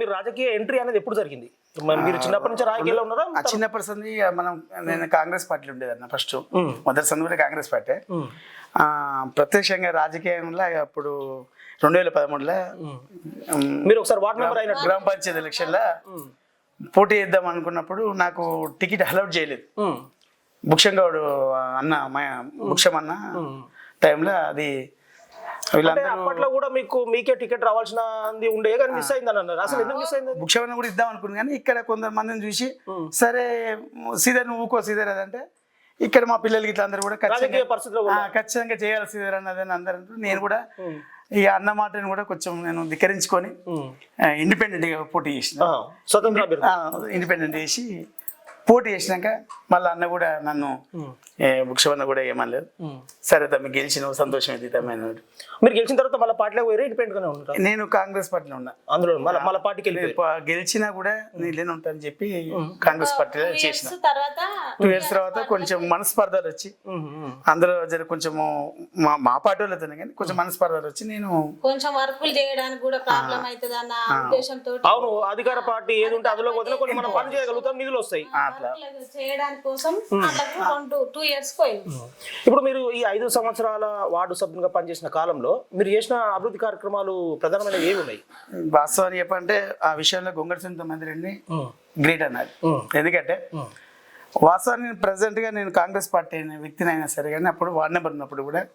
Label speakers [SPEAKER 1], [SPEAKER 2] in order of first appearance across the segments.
[SPEAKER 1] మీరు రాజకీయ ఎంట్రీ అనేది ఎప్పుడు జరిగింది? మీరు చిన్నప్పటి నుంచి రాజకీయాల్లో ఉన్నారా?
[SPEAKER 2] చిన్నప్పటి సంది నేను కాంగ్రెస్ పార్టీలో ఉండేదన్న ఫస్ట్ మొదటి సంది కూడా కాంగ్రెస్ పార్టీ. ప్రత్యక్షంగా రాజకీయంలో అప్పుడు 2013లో
[SPEAKER 1] మీరు ఒకసారి వార్డ్ మెంబర్ అయిన
[SPEAKER 2] గ్రామ పంచాయతీ ఎలక్షన్లో పోటీ చేద్దాం అనుకున్నప్పుడు నాకు టికెట్ అలౌట్ చేయలేదు. భుక్షంగౌడ్ అన్న భుక్షం అన్న టైంలో అది
[SPEAKER 1] అప్పట్లో కూడా మీకే టికెట్ రావాల్సినది ఉండే కానీ మిస్ అయిందని అన్నారు. అసలు ఎందుకు మిస్ అయింది?
[SPEAKER 2] భుక్షమన్న కూడా ఇద్దాం అనుకున్నాను కానీ ఇక్కడ కొందరు మందిని చూసి సరే శ్రీధర్ నువ్వు ఊకో శ్రీధర్ అదంటే ఇక్కడ మా పిల్లలకి ఇట్లా అందరూ కూడా ఖచ్చితంగా చేయాలి శ్రీధర్ అన్నదని అందరూ. నేను కూడా ఈ అన్న మాటను కూడా కొంచెం నేను ధిక్కరించుకొని ఇండిపెండెంట్ గా పోటీ చేసిన, ఇండిపెండెంట్ చేసి పోటీ చేసినాక మళ్ళీ అన్న కూడా నన్ను భుక్షమన్న కూడా ఏమనలేదు. సరే తమ్మి గెలిచినావు సంతోషం అయితే తమ్మి.
[SPEAKER 1] మీరు గెలిచిన తర్వాత మళ్ళీ పార్టీలో పోయి ఇండిపెండెంట్ గానే ఉంటారు?
[SPEAKER 2] నేను కాంగ్రెస్ పార్టీలో ఉన్నా.
[SPEAKER 1] అందులో మళ్ళీ పార్టీకి
[SPEAKER 2] గెలిచినా కూడా నేను ఉంటానని చెప్పి కాంగ్రెస్ పార్టీలో చేసిన. 2 years తర్వాత కొంచెం మనస్పర్ధలు వచ్చి అందులో కొంచెం మా పార్టీ వాళ్ళతోనే కానీ కొంచెం మనస్పర్ధలు వచ్చి నేను
[SPEAKER 3] కొంచెం వర్కులు చేయడానికి కూడా ప్రాబ్లం అవుతుంది అన్న ఉద్దేశంతో.
[SPEAKER 1] అవును, అధికార పార్టీ ఏది ఉంటే అందులో వదిలే కొన్ని మనం పని చేయగలుగుతాం, నిధులు వస్తాయి
[SPEAKER 3] చేయడానికి కోసం 2 years పోయింది.
[SPEAKER 1] ఇప్పుడు మీరు ఈ 5 సంవత్సరాల వార్డు సభ్యునిగా పనిచేసిన కాలంలో మీరు చేసిన అభివృద్ధి కార్యక్రమాలు ప్రధానమైన ఏవి ఉన్నాయి?
[SPEAKER 2] వాస్తవాన్ని చెప్పంటే ఆ విషయంలో గొంగడి సునీత మందిరెడ్డిని గ్రేట్ అన్నారు. ఎందుకంటే వాస్తవాన్ని ప్రెసెంట్ గా నేను కాంగ్రెస్ పార్టీ అయిన వ్యక్తినైనా సరే కానీ అప్పుడు వార్డు నెంబర్ ఉన్నప్పుడు కూడా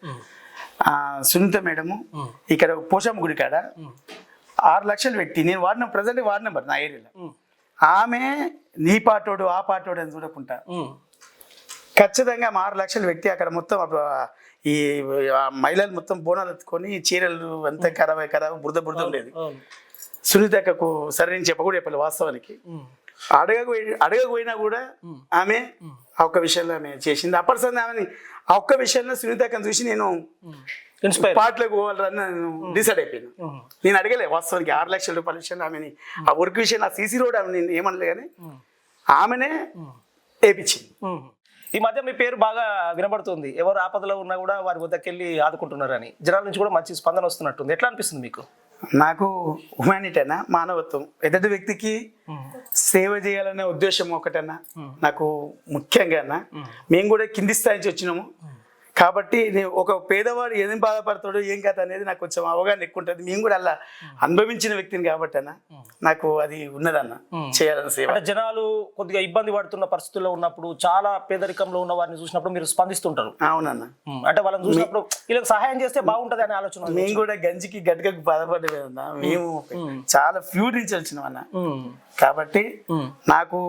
[SPEAKER 2] సునీత మేడము ఇక్కడ పోషమ్మ గుడి కాడ 6 లక్షలు పెట్టి నేను ప్రెసెంట్ వార్డు నెంబర్ నా ఏరియాలో ఆమె నీ పాటోడు ఆ పాటోడు అని చూడకుండా ఖచ్చితంగా 6 లక్షలు పెట్టి అక్కడ మొత్తం ఈ మహిళలు మొత్తం బోనాలు ఎత్తుకొని చీరలు అంతా ఖరాబ్ బురద ఉండేది. సునీతకు సరే నేను చెప్పలేదు వాస్తవానికి. అడగకపోయినా కూడా ఆమె ఆ ఒక్క విషయంలో ఆమె చేసింది. అప్పటిసరి ఆమె ఆ ఒక్క విషయంలో సునీతకని చూసి నేను పాటలకు పోవాలని నేను డిసైడ్ అయిపోయాను. నేను అడగలే వాస్తవానికి 6 లక్షల రూపాయల విషయంలో ఆమెని ఆ వర్క్ విషయం ఆ సీసీ రోడ్ ఆమె నేను ఏమనలే కానీ ఆమెనే వేయించింది.
[SPEAKER 1] ఈ మధ్య మీ పేరు బాగా వినబడుతుంది, ఎవరు ఆపదలో ఉన్నా కూడా వారి వద్దకెళ్ళి ఆదుకుంటున్నారని జనాల నుంచి కూడా మంచి స్పందన వస్తున్నట్టుంది. ఎట్లా అనిపిస్తుంది మీకు?
[SPEAKER 2] నాకు హ్యుమానిటీ అన్నా, మానవత్వం, ఎదుటి వ్యక్తికి సేవ చేయాలనే ఉద్దేశం ఒకటన్నా నాకు ముఖ్యంగా అన్నా. మేము కూడా కింది స్థాయి నుంచి వచ్చినాము కాబట్టి ఒక పేదవాడు ఏం బాధపడతాడు ఏం కథ అనేది నాకు కొంచెం అవగాహన ఎక్కువ ఉంటుంది. మేము కూడా అలా అనుభవించిన వ్యక్తిని కాబట్టి అన్న నాకు అది ఉన్నదన్న చేయాలని సేవ.
[SPEAKER 1] జనాలు కొద్దిగా ఇబ్బంది పడుతున్న పరిస్థితుల్లో ఉన్నప్పుడు చాలా పేదరికంలో ఉన్న వారిని చూసినప్పుడు మీరు స్పందిస్తుంటారు.
[SPEAKER 2] అవునన్న,
[SPEAKER 1] అంటే వాళ్ళని చూసినప్పుడు వీళ్ళకి సహాయం చేస్తే బాగుంటది అనే ఆలోచన.
[SPEAKER 2] మేము కూడా గంజికి గడ్డకు బాధపడలేదన్న, మేము చాలా ఫ్యూర్ నుంచి వచ్చినాం అన్న. కాబట్టి నాకు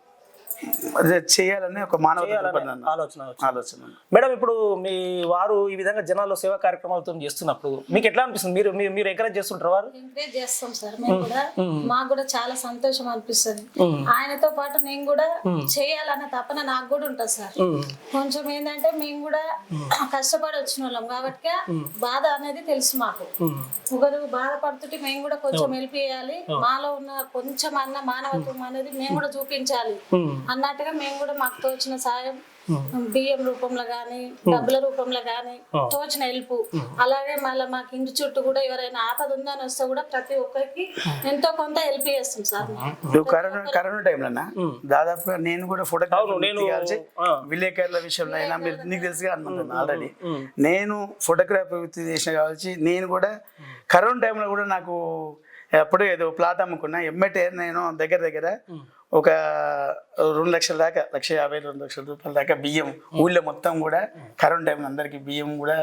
[SPEAKER 2] చేయాలని ఒక మానవ ఆలోచన.
[SPEAKER 1] మేడం, ఇప్పుడు మీ వారు ఈ విధంగా జనాల్లో సేవా కార్యక్రమాలతో చేస్తున్నప్పుడు మీకు ఎట్లా అనిపిస్తుంది? మీరు ఎంకరేజ్ చేస్తుంటారు? వారు
[SPEAKER 3] ఎంకరేజ్ చేస్తాం సార్ మేము కూడా. మాకు కూడా చాలా సంతోషం అనిపిస్తుంది. ఆయనతో పాటు నేను కూడా చేయాలన్న తపన నాకు కూడా ఉంటుంది సార్. కొంచెం ఏంటంటే మేము కూడా కష్టపడి వచ్చిన వాళ్ళం కాబట్టి బాధ అనేది తెలుసు మాకు. ఒకరు బాధపడుతుంటే మేము కూడా కొంచెం హెల్ప్ చేయాలి, మాలో ఉన్న కొంచెం అన్న మానవత్వం అనేది మేము కూడా చూపించాలి అన్నట్టుగా మేము కూడా మాకు తోచిన సాయం బియ్యం రూపంలో గానీ డబ్బుల రూపంలో గానీ తోచిన హెల్ప్. అలాగే మళ్ళీ మాకు ఇంటి చుట్టూ కూడా ఎవరైనా ఆపద ఉందని వస్తే కూడా ప్రతి ఒక్కరికి ఎంతో కొంత హెల్ప్ చేస్తాం సార్.
[SPEAKER 2] కరోనా టైంలో దాదాపుగా నేను కూడా ఫోటోగ్రఫీ విలేకరుల విషయంలో అయినా మీరు నీకు తెలుసుగా అనుకుంటున్నాను ఆల్రెడీ నేను ఫోటోగ్రఫీ చేసిన కావచ్చు. నేను కూడా కరోనా టైంలో కూడా నాకు అప్పుడే ఏదో ప్లాట్ అమ్ముకున్నా ఎమ్మటే నేను దగ్గర ఒక 2 లక్షల దాకా 1,50,000 2 లక్షల రూపాయల దాకా బియ్యం ఊళ్ళో మొత్తం కూడా కరోనా టైంలో అందరికి బియ్యం కూడా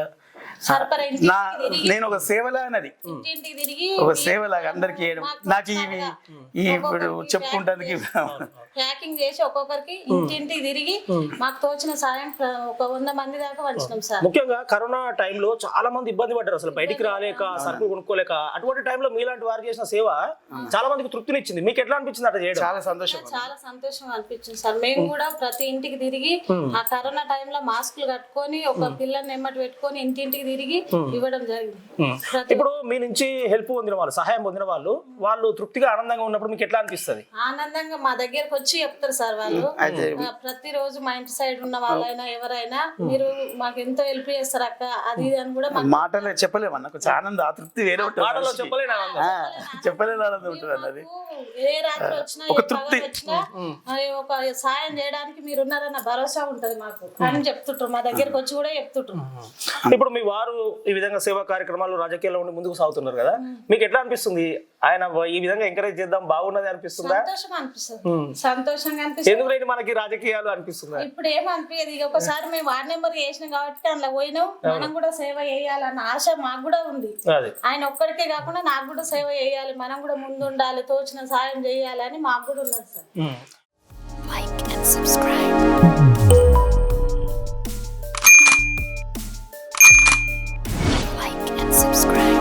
[SPEAKER 2] నేను ఒక సేవలా అన్నది ఒక సేవలాగా అందరికి వేయడం నాకు ఇవి ఇప్పుడు చెప్పుకుంటానికి
[SPEAKER 3] ప్యాకింగ్ చేసి ఒక్కొక్కరికి ఇంటింటికి తిరిగి మాకు తోచిన సాయం ఒక 100 మంది దాకా పంచినాం సార్.
[SPEAKER 1] ముఖ్యంగా కరోనా టైంలో చాలా మంది ఇబ్బంది పడ్డారు, అసలు బయటికి రాలేక సరుకులు కొనుక్కోలేక. అటువంటి టైంలో మీలాంటి వారు చేసిన సేవ చాలా మందికి తృప్తినిచ్చింది. మీకు ఎట్లా అనిపించింది? అట్లా చేయడం
[SPEAKER 2] చాలా
[SPEAKER 3] సంతోషం అనిపించింది సార్. మేము కూడా ప్రతి ఇంటికి తిరిగి ఆ కరోనా టైంలో మాస్కులు కట్టుకొని ఒక పిల్లని ఎమ్మటి పెట్టుకొని ఇంటింటికి ఇంటికి తిరిగి ఇవ్వడం జరిగింది.
[SPEAKER 1] ఇప్పుడు మీ నుంచి హెల్ప్ పొందిన వాళ్ళు, సహాయం పొందిన వాళ్ళు తృప్తిగా ఆనందంగా ఉన్నప్పుడు మీకు ఎట్లా అనిపిస్తుంది?
[SPEAKER 3] ఆనందంగా మా దగ్గరకు వచ్చి చెప్తారు సార్ వాళ్ళు. ప్రతిరోజు మా ఇంటి సైడ్ ఉన్న వాళ్ళైనా ఎవరైనా మీరు మాకు ఎంతో హెల్ప్ చేస్తారు అక్క అది ఇది అని కూడా
[SPEAKER 2] మాటలు చెప్పలేము అన్న, కొంచెం ఆనందం, ఆ తృప్తి వేరే ఉంటుంది,
[SPEAKER 1] మాటలో చెప్పలేను
[SPEAKER 2] చెప్పలేని ఆనందం ఉంటుంది అన్నది.
[SPEAKER 3] ఏ రాత్రి వచ్చినా ఏ పగలు వచ్చినా ఒక సాయం చేయడానికి మీరు ఉన్నారన్న భరోసా ఉంటది మాకు అని చెప్తుంటారు. మా దగ్గరకు వచ్చి కూడా చెప్తుంటారు.
[SPEAKER 1] ఇప్పుడు మీ వారు ఈ విధంగా సేవా కార్యక్రమాలు రాజకీయాల్లో ఉండి ముందుకు సాగుతున్నారు కదా, మీకు ఎట్లా అనిపిస్తుంది? ఆయన ఈ విధంగా ఎంకరేజ్ చేద్దాం బాగున్నది అనిపిస్తుందా?
[SPEAKER 3] సంతోషం అనిపిస్తుంది, సంతోషంగా అనిపిస్తుంది.
[SPEAKER 1] ఎందుకు మనకి రాజకీయాలు అనిపిస్తుందా?
[SPEAKER 3] ఇప్పుడు ఏమనిపించదు. ఇక ఒకసారి మేము వార్డ్ నెంబర్ చేసినాం కాబట్టి అందులో పోయినాం, మనం కూడా సేవ చేయాలన్న ఆశ మాకు కూడా ఉంది. ఆయన ఒక్కడికే కాకుండా నాకు కూడా సేవ చేయాలి, మనం కూడా ముందు ఉండాలి, తోచిన సాయం చేయాలని మాకు కూడా ఉన్నది sir.
[SPEAKER 4] Like and subscribe. Like and subscribe.